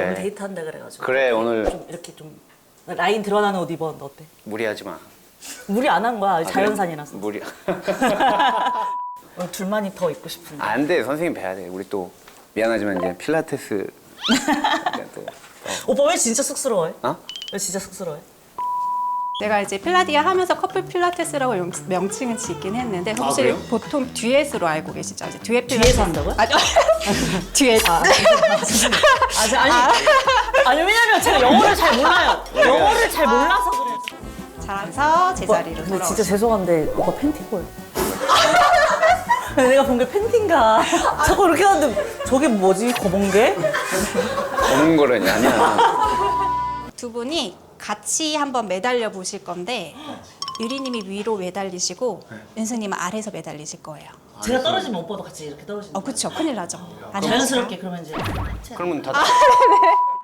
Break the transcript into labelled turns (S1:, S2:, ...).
S1: 오늘 데이트한다 그래가지고.
S2: 그래 오늘
S1: 좀 이렇게 좀 라인 드러나는 옷 입었는데 어때?
S2: 무리하지 마.
S1: 무리 안 한 거야. 자연산이라서.
S2: 무리.
S1: 오늘 둘만이 더 입고 싶은데.
S2: 안 돼, 선생님 뵈야 돼. 우리 또 미안하지만 이제 필라테스. 또,
S1: 오빠 왜 진짜 쑥스러워해?
S2: 어?
S1: 왜 진짜 쑥스러워해?
S3: 내가 이제 필라디아 하면서 커플 필라테스라고 명칭은 짓긴 했는데 혹시
S2: 그래요?
S3: 보통 듀엣으로 알고 계시죠? 이제 듀엣 필라테스.
S1: 뒤에서 한다고요?
S3: 아니, 듀엣.
S1: 아니 왜냐면 제가 영어를 잘 몰라요. 영어를 잘 몰라서 그래.
S3: 잘해서 제자리로
S1: 근데
S3: 돌아오죠.
S1: 진짜 죄송한데 오빠 팬티 보여. 내가 본 게 팬티인가? 자꾸 이렇게 하는데 저게 뭐지? 검은 게?
S2: 검은 거라니 아니야.
S3: 두 분이 같이 한번 매달려 보실 건데 유리님이 위로 매달리시고 은수님은 아래에서 매달리실 거예요.
S1: 제가 떨어지면 오빠도 같이 이렇게 떨어지는 거예요?
S3: 그쵸. 큰일 나죠. 안
S1: 자연스럽게 그러면 이제
S2: 그러면 다